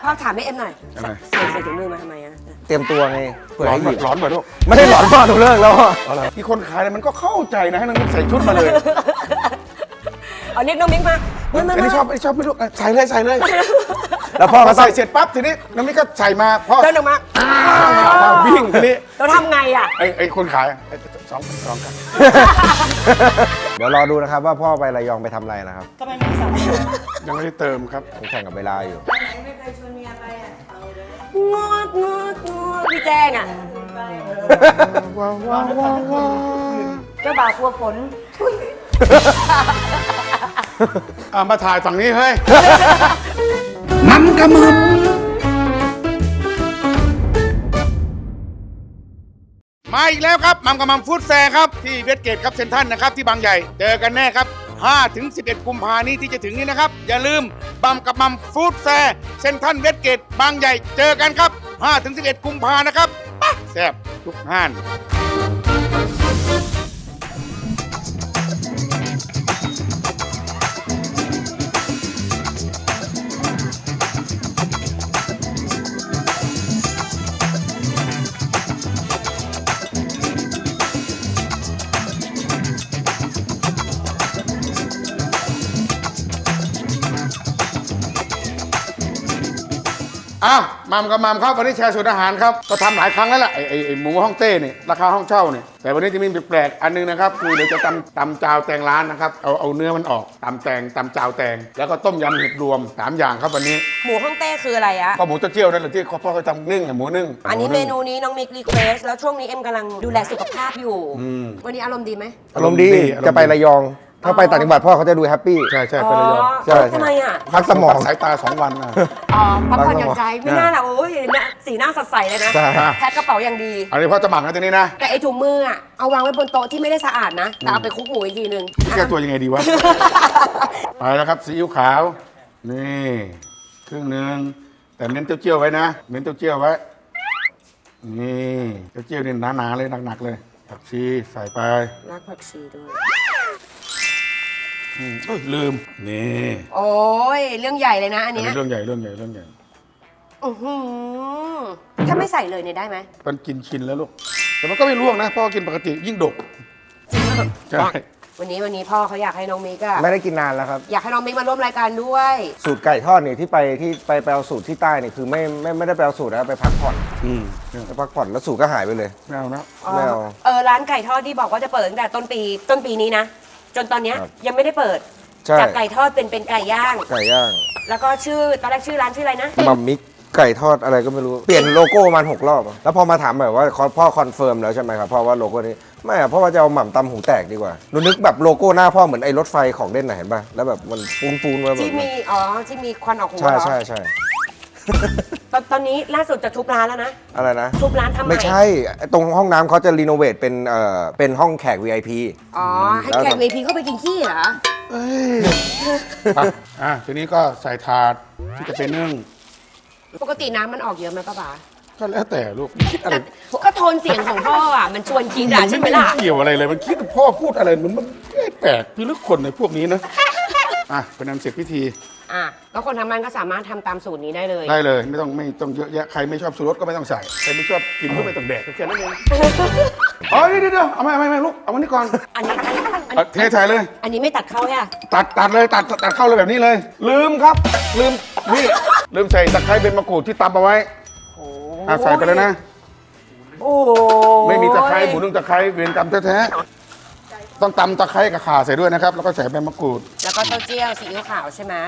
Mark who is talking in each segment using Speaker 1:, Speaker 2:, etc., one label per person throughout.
Speaker 1: พ่อถามให้เอ็มหน่อยใส่ถุงมือมาทำไมอะ
Speaker 2: เตรียมตัวไงเผื่อให้หยิบ
Speaker 3: ร้อนไปลูก
Speaker 2: ไม่ได้หลอนพ่อหนูเลิกแล้วพ่อ
Speaker 3: ที่คนขายเนี่ยมันก็เข้าใจนะให้น้องมิกใส่ชุดมาเลย
Speaker 1: เอาเรียกน้องมิกมา
Speaker 3: อันนี้ชอบไม่รู้ใส่เลย
Speaker 2: แล้วพ่อ
Speaker 3: พ
Speaker 2: ก็
Speaker 3: อ
Speaker 2: ใส่
Speaker 3: ใส่เสร็จปั๊บทีนี้น้องมิกก็ใส่มาพ่อ
Speaker 1: เดินออกมา
Speaker 3: วิ่งทีนี้
Speaker 1: เราทำไงอ่ะ
Speaker 3: ไอ้คนขายสองกัน
Speaker 2: เดี๋ยวรอดูนะครับว่าพ่อไประยองไปทำอะไรนะครับ
Speaker 1: ทำไมไม่สั่ง
Speaker 3: ยังไม่ได้เติมครับ
Speaker 2: ผมแข่งกับเวลาอยู่
Speaker 1: ไม่เคยชวนเมียไปอ่ะงอดพี่แจ้งอ่ะเจ้าบ่าวกลัวฝน
Speaker 3: มาถ่ายฝั่งนี้เฮ้ย
Speaker 4: มัมกะมัม
Speaker 3: มาอีกแล้วครับมัมกับมัมฟู้ดแฟร์ครับที่เวสเกตครับเซ็นทรัลนะครับที่บางใหญ่เจอกันแน่ครับ5-11 กุมภาพันธ์นี้ที่จะถึงนี้นะครับอย่าลืมมัมกับมัมฟู้ดแฟร์เซ็นทรัลเวสเกตบางใหญ่เจอกันครับ5-11 กุมภาพันธ์นะครับแซ่บทุกห้านอ้าวมัมกับมัมครับวันนี้แชร์สูตรอาหารครับก็ทำหลายครั้งแล้วล่ะไอ้หมูฮ่องเต้เนี่ยราคาห้องเช่าเนี่ยแต่วันนี้จะมีแปลกๆอันนึงนะครับคือเดี๋ยวจะตำจาวแตงร้านนะครับเอาเนื้อมันออกตำจาวแตงแล้วก็ต้มยำเห็ดรวม3อย่างครับวันนี้
Speaker 1: หมูฮ่องเต้คืออะไรอะ
Speaker 3: ก็หมูเต้าเจี้ยวนั่นแหละที่พ่อเขาทำนึ่งหมูนึ่ง
Speaker 1: อันนี้เมนูนี้น้องมิกรีเควสแล้วช่วงนี้เอ็มกำลังดูแลสุขภาพอยู่วันนี้อารมณ์ดีไหม
Speaker 2: อารมณ์ดีจะไประยอง ถ้าไปต่างจังหวัดพ่อเขาจะดูแฮปปี้
Speaker 3: ใช่ไประยอง
Speaker 2: ใช่
Speaker 1: ทำไมอ่ะ
Speaker 2: พักสมอง
Speaker 3: สายตา2 วันนะ
Speaker 1: อ๋อพักผ่อนหย่อนใจไม่น่าหรอกโอ้ยสีหน้าสดใสเลยนะ
Speaker 2: ใช่
Speaker 1: แพ็คกระเป๋าอย่างดี
Speaker 3: อันนี้พ่อจะหมักนะตัวนี้นะ
Speaker 1: แต่ไอถุงมืออ่ะเอาวางไว้บนโต๊ะที่ไม่ได้สะอาดนะแต่เอาไปคลุกหมูอีกทีนึง
Speaker 3: แก้ตัวยังไงดีวะ ไปแล้วครับซีอิ๊วขาวนี่ครึ่งหนึ่งแต่เน้นเต้าเจี้ยวไว้นะเน้นเต้าเจี้ยวไว้นี่เต้าเจี้ยวนี่หนาๆเลยหนักๆเลยผักชีใส่ไป
Speaker 1: รากผักชีด้วย
Speaker 3: ลืมนี่
Speaker 1: โอ้ยเรื่องใหญ่เลยนะอัน
Speaker 3: อัน
Speaker 1: เนี้ย
Speaker 3: นี้เรื่องใหญ่
Speaker 1: อื้อหือถ้าไม่ใส่เลยเนี่ยได้ไหม
Speaker 3: มันกินชินแล้วลูกแต่มันก็ไม่ร่วงนะพ่อกินปกติยิ่งดกใช่
Speaker 1: วันนี้พ่อเขาอยากให้น้องมิกอะ
Speaker 2: ไม่ได้กินนานแล้วครับ
Speaker 1: อยากให้น้องมิกมาร่วมรายการด้วย
Speaker 2: สูตรไก่ทอดเนี่ยที่ไปเอาสูตรที่ใต้เนี่ยคือไม่ได้ไปเอาสูตรนะไปพักผ่อนไปพักผ่อนแล้วสูตรก็หายไปเลย
Speaker 3: ไม่เอานะ
Speaker 2: ไม่เอา
Speaker 1: ร้านไก่ทอดที่บอกว่าจะเปิดตั้งแต่ต้นปีนี้นะจนตอนเนี้ย
Speaker 2: ครับ
Speaker 1: ยังไม่ได้เปิด
Speaker 2: ใช่
Speaker 1: จากไก่ทอดเป็นไก่ย่าง
Speaker 2: ไก่ย่าง
Speaker 1: แล้วก็ตอนแรกชื่อร้านชื่ออะไรนะ
Speaker 2: มัมมิกไก่ทอดอะไรก็ไม่รู้เปลี่ยนโลโก้ประมาณ6 รอบอะแล้วพอมาถามแบบว่าพ่อคอนเฟิร์มแล้วใช่ไหมครับพ่อว่าโลโก้นี้ไม่อะเพราะว่าจะเอาหม่ำตำหูแตกดีกว่าหนูนึกแบบโลโก้หน้าพ่อเหมือนไอ้รถไฟของเล่นน่ะเห็นป่ะแล้วแบบมันฟูนๆมาแบบ
Speaker 1: ที่มีควันออกหัว
Speaker 2: ใช่
Speaker 1: เหรอ
Speaker 2: ใช่
Speaker 1: ตอนนี้ล่าสุดจะทุบร้านแล้วนะ
Speaker 2: อะไรนะ
Speaker 1: ทุบร้านทำใหม่
Speaker 2: ไม่ใช่ตรงห้องน้ำเขาจะรีโนเวทเป็นห้องแขก VIP
Speaker 1: อ๋อให้แขก VIP เข้าไปกินขี้เหรอ
Speaker 3: ทีนี้ก็ใส่ถาดที่จะเป็นนึ่ง
Speaker 1: ปกติน้ำมันออกเยอะไหมป้าป๋า
Speaker 3: ก็แล้วแต่ลูกคิดอะไร
Speaker 1: ก็โทนเสียงของพ่ออ่ะมันชวนกินอ่ะใช่ไหมล่ะ
Speaker 3: เกี่ยวอะไรเลยมันคิดพ่อพูดอะไรมันแปลกพิลึกคนในพวกนี้นะเป็นอันเสร็จพิธี
Speaker 1: แล้วคนทำงานก็สามารถทำตามสูตรนี้ได้เลย
Speaker 3: ได้เลยไม่ต้องเยอะแยะใครไม่ชอบสูตรสก็ไม่ต้องใส่ใครไม่ชอบกินก็ไม่ต้องแดกแค่นั้นเองเดี๋ยวเอาไม่ลูกเอาวันนี้ก่อน
Speaker 1: อันนี้
Speaker 3: เทใส่เลย
Speaker 1: อันนี้ไม่ตัดเข้าแค่
Speaker 3: ตัดเลยตัดเข้าเลยแบบนี้เลย ลืมใส่ตะไคร้เป็นมะกรูดที่ตำเอาไว้ใส่ไปเลยนะ
Speaker 1: โอ้
Speaker 3: ไม่มีตะไคร้หมูนึ่งตะไคร้เวรกรรมแท้ๆต้องตำตะไคร้กับข่าใส่ด้วยนะครับแล้วก็ใส่ใบมะกรูด
Speaker 1: แล้วก็เต้าเจี้ยวซีอิ๊วขาวใช่ไหม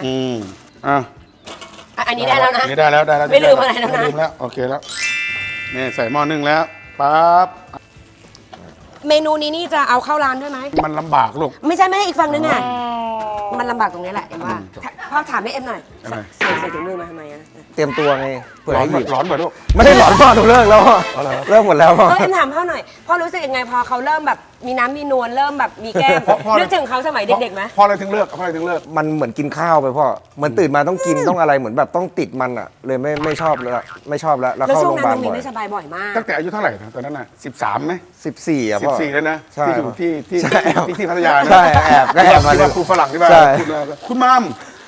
Speaker 3: อัน
Speaker 1: นี้ได้แล้วนะ
Speaker 3: นี่ได้แล้ว
Speaker 1: ไม่ลืมอะไรแล้วนะ
Speaker 3: ไม่ลืมแล้วโอเคแล้วนี่ใส่หม้อนึ่งแล้วปั๊บ
Speaker 1: เมนูนี้นี่จะเอาเข้าร้านด้วยไหม
Speaker 3: มันลำบากลูก
Speaker 1: ไม่ใช่อีกฝั่งนึงอ่ะมันลำบากตรงนี้แหละเอ็มว่าพ่อถามให้เอ็มหน่อย
Speaker 3: อะไร
Speaker 1: ใส่ถุงมือมาทำไมอะ
Speaker 2: เตรียมตัวไงเผื่อ
Speaker 3: ร้อน
Speaker 2: ให้หยิบ
Speaker 3: ร้อนไปลูก
Speaker 2: ไม่ได้หลอนพ่อหนูเลิกแล้วพ่อเลิกหมดแล้วพ่อ
Speaker 1: เอ็มถามพ่อหน่อยพ่อรู้สึกยังไงพอเขาเริ่มแบบมีน้ำมีนวลเริ่มแบบมีแก้มนึกถึงเขาสมัยเด็กๆไหม
Speaker 3: พออะไรถึงเลิก
Speaker 2: มันเหมือนกินข้าวไปพ่อเหมือนตื่นมาต้องกินต้องอะไรเหมือนแบบต้องติดมันอ่ะเลยไม่ชอบแล้วแล้ว
Speaker 1: แล้ว
Speaker 2: เข้า
Speaker 1: ช่ว
Speaker 2: โรง งพ
Speaker 1: นั้
Speaker 2: ยาน บาล
Speaker 1: น้องมี
Speaker 2: บ่อย
Speaker 1: ไม่สบายบ่อยมาก
Speaker 3: ตั้งแต่อายุเท่าไหร่นะตอนนั้นน่ะ13ไหม
Speaker 2: 14อ่ะพ่อ
Speaker 3: 14แล้วนะ
Speaker 2: ใช่
Speaker 3: ที่อยู่ที่พัทยานะ
Speaker 2: ใช่แอบก็แอบมา
Speaker 3: ที่ว่าครูฝรั่งที่ว่า
Speaker 2: ใช่
Speaker 3: คุณมัม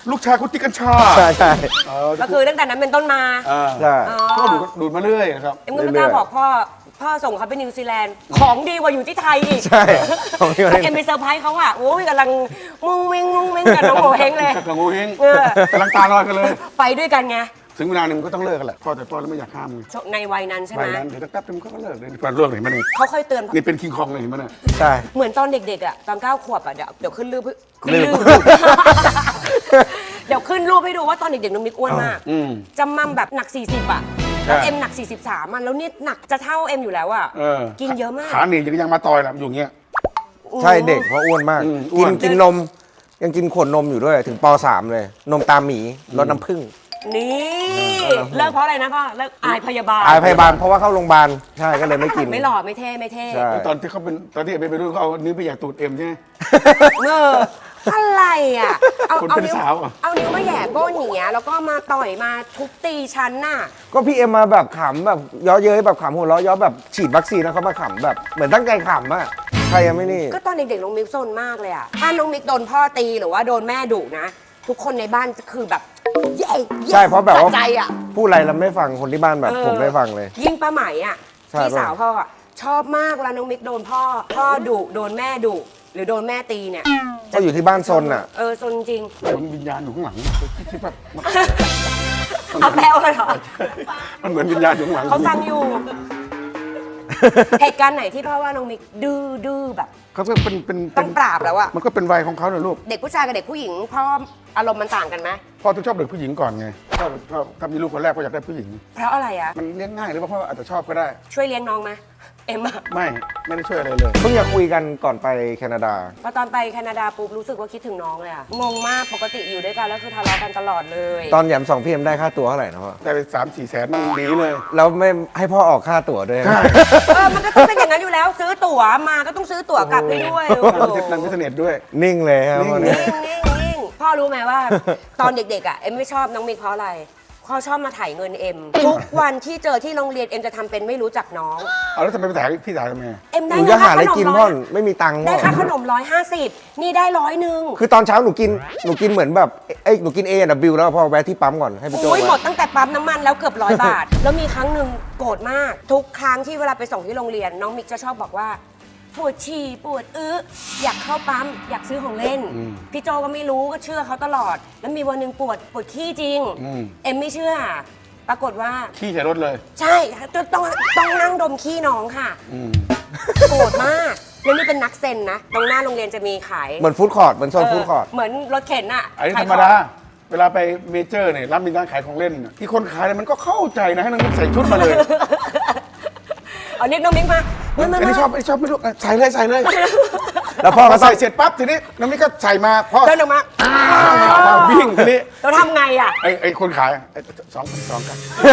Speaker 3: ลูกชายคุณติดกัญชา
Speaker 2: ใช่ใช่
Speaker 1: ก็คือตั้งแต่นั้นเป็นต้นมา
Speaker 2: ใช่
Speaker 3: ก็ดูดมาเรื่อยนะครับ
Speaker 1: เอ็มก็ไม่กล้าบอกพ่อส่งเขาไปนิวซีแลนด์ของดีกว่าอยู่ที่ไทยอีก
Speaker 2: ใช่ของที่
Speaker 1: แล้วเอ็มไปเซอร์ไพรส์เขาอ่ะโอ้ยกำลังมุ้งวิ่งกับน้องโงเฮงเลย
Speaker 3: กับงูเฮง
Speaker 1: เออก
Speaker 3: ำลังตาลอยกันเลย
Speaker 1: ไปด้วยกันไง
Speaker 3: ถึงเวลาหนึ่งก็ต้องเลิกกันแหละพ่อแต่พ่อแล้วไม่อยากห้ามไง
Speaker 1: ในวัยนั้นใช่ไห
Speaker 3: ไป
Speaker 1: ม
Speaker 3: นั้นเดี๋ยวแป๊บนึงเขาก็เลิกเลยก่อนเลิกเห็นไหมนี่
Speaker 1: เขาค่อยเตือน
Speaker 3: นี่เป็นคิงคองเลยเห็นไหมเนี่ย
Speaker 2: ใช่
Speaker 1: เหมือนตอนเด็กๆอ่ะตอน9 ขวบอ่ะเดี๋ยวขึ้นรูปขึ้นรูป เดี๋ยวขึ้นรูปให้ดูว่าตอนเด็กๆน้องมิกอ้วนมากจำมั่มแบบหนัก 40 อ่ะแล้วเอ็มหนัก 43อ่ะแล้วเนี่ยหนักจะเท่าเอ็มอยู่แล้วอ่ะกินเยอะมาก
Speaker 3: ขาหนียังมาต่อยแหละอยู่เงี้ย
Speaker 2: ใช่เด็กเพราะอ้วนมาก
Speaker 3: อ้วน
Speaker 2: กินนมยังกินขวดนมอยู่ด้วยถึงป .3 เลย นมตามหมีรสน้ำผึ้ง
Speaker 1: นี่เลิกเพราะอะไรนะพ่อเลิกอายพยาบาล
Speaker 2: อายพยาบาลเพราะว่าเข้าโรงพยาบาลใช่ก็เลยไม่กิน
Speaker 1: ไม่หล่อไม่เท่ไม่เท่
Speaker 2: ใช่
Speaker 3: ตอนที่เขาเป็นตอนที่ไปรุ่นเขาเอานิ้วไปอยากตูดเอ็มใช่ไหม
Speaker 1: เอออะไรอ่ะ
Speaker 3: คนเป็นสาวอ่ะ
Speaker 1: เอานิ้วมาแหย่ก้นอย่างเงี้ยแล้วก็มาต่อยมาทุบตีฉันน่ะ
Speaker 2: ก็พี่เอ็มมาแบบขำแบบเย้อเย้ยแบบขำหัวเราะเย้อแบบฉีดวัคซีนแล้วเขามาขำแบบเหมือนตั้งใจขำอะใครยังไม่นี่
Speaker 1: ก็ตอนเด็กๆน้องมิกซนมากเลยอ่ะถ้าน้องมิกโดนพ่อตีหรือว่าโดนแม่ดุนะทุกคนในบ้านจะคือแบบเย้
Speaker 2: ใช่เพราะแบบว่า
Speaker 1: สะใจอ่ะ
Speaker 2: พูดอะไรเราไม่ฟังคนที่บ้านแบบผมไม่ฟังเลย
Speaker 1: ยิ่งป้าไหมอ่ะ
Speaker 2: ใช่
Speaker 1: พี่สาวพ่ออะชอบมากเวลาน้องมิกโดนพ่อดุโดนแม่ดุหรือโดนแม่ตีเนี่ย
Speaker 2: ก็อยู่ที่บ้านซนอ่ะ
Speaker 1: ซนจริง
Speaker 3: มันวิญญาณอยู่ข้างหลังคิดว่า
Speaker 1: เอาแปลว่าเหรอ
Speaker 3: มันเหมือนวิญญาณอยู่ข้างหลัง
Speaker 1: เขาฟังอยู่ เหตุการณ์ไหนที่พ่อว่าน้องมิกดื้อแบบ
Speaker 3: เขาก็เป็น
Speaker 1: ต้องปราบแล้วอะ
Speaker 3: มันก็เป็นวัยของเขาเลยลูก
Speaker 1: เด็กผู้ชายกับเด็กผู้หญิงพ่ออารมณ์มันต่างกันไหม
Speaker 3: พ่อต้องชอบเด็กผู้หญิงก่อนไงพ่อถ้ามีลูกคนแรกก็อยากได้ผู้หญิง
Speaker 1: เพราะอะไรอะ
Speaker 3: มันเลี้ยงง่ายหรือว่าพ่ออาจจะชอบก็ได้
Speaker 1: ช่วยเลี้ยงน้องไหมเอ็มอะ
Speaker 3: ไม่ได้ช่วยอะไรเลย
Speaker 2: เพิ่งจะคุยกันก่อนไปแคนาดา
Speaker 1: พอตอนไปแคนาดาปุ๊บรู้สึกว่าคิดถึงน้องเลยอะงงมากปกติอยู่ด้วยกันแล้วคือทะเลาะกันตลอดเลย
Speaker 2: ตอนแหยม2พี่เอ็มได้ค่าตัวเท่าไหร่นะพ่อ
Speaker 3: ได้ไป3-4 แสนมันหนีเลย
Speaker 2: แล้วไม่ให้พ่อออกค่าตั๋วด้วย
Speaker 1: มันก็ต้องเป็นอย่างนั้นอยู่แล้ว ซื้อตั๋วมาก็ต้องซื้อตั๋วกลับให้ด้วย
Speaker 3: นั่งฟิตเนสด้วย
Speaker 2: นิ่งเลยครับพ่อเนี่ย
Speaker 1: นิ่งพ่อรู้ไหมว่า ตอนเด็กๆอะเอ็มไม่ชอบน้องมิกเพราะอะไรพ่อชอบมาถ่ายเงินเอ็มทุกวันที่เจอที่โรงเรียนเอ็มจะทำเป็นไม่รู้จักน้อง
Speaker 3: เอาแล้วทำไมไปถ่ายพี่ถ่ายทำไม
Speaker 1: เอ็ม
Speaker 2: ห
Speaker 1: ได้
Speaker 2: นู
Speaker 1: เงิ
Speaker 2: จะ
Speaker 1: น
Speaker 2: หา
Speaker 1: ค่า
Speaker 2: อะไร
Speaker 1: ขนม
Speaker 2: กิน
Speaker 1: ร้
Speaker 2: พ่
Speaker 1: อ
Speaker 2: อย ไม่มีตังค์พ่
Speaker 1: ได้
Speaker 2: อ
Speaker 1: ค่าขนม150นี่ได้100
Speaker 2: คือตอนเช้าหนูกินเหมือนแบบหนูกิน A&W แล้วพอแวะที่ปั๊มก่อนให้พี่โจ
Speaker 1: โอ้ยหมด
Speaker 2: แวะ
Speaker 1: ตั้งแต่ปั๊มน้ำมันแล้วเกือบ100 บาท แล้วมีครั้งหนึ่งโกรธมาก ทุกครั้งที่เวลาไปส่งที่โรงเรียนน้องมิกจะชอบบอกว่าปวดฉี่ปวดอยากเข้าปั๊มอยากซื้อของเล่น พี่โจก็ไม่รู้ก็เชื่อเขาตลอด แล้วมีวันหนึ่งปวดขี้จริง เอ็มไม่เชื่อ ปรากฏว่า
Speaker 3: ขี้ใส่รถเลย
Speaker 1: ใช่ต้องนั่งดมขี้น้องค่ะโกรธมากแล้วนี่เป็นนักเซ็นนะตรงหน้าโรงเรียนจะมีขาย
Speaker 2: เหมือนฟู้ดคอร์ทเหมือนโซนฟู้ดคอร์ท
Speaker 1: เหมือนรถเข็นอะ
Speaker 3: อันนี้
Speaker 1: ข
Speaker 3: ธ
Speaker 1: ย
Speaker 3: ร
Speaker 1: ข
Speaker 3: ร
Speaker 1: อง
Speaker 3: มดา เวลาไปเมเจอร์เนี่ยรับมีร้านขายของเล่นน่ะที่คนขายเนี่ยมันก็เข้าใจนะให้น้องใส่ชุดมาเลย
Speaker 1: เอาเรียกน้องมิกมา
Speaker 3: อันนี้ชอบไม่รู้ใส่เลย
Speaker 2: แล้วพ่อ
Speaker 3: พ
Speaker 2: ก็
Speaker 3: อ
Speaker 2: ต้อ
Speaker 3: ใส่
Speaker 2: ง
Speaker 3: เสร็จปั๊บทีนี้น้องนี่ก็ใส่มาพ่อ
Speaker 1: เดินออกมา
Speaker 3: วิ่งทีนี้
Speaker 1: เราทำไงอะ
Speaker 3: ไอ้คนขาย2,200กัน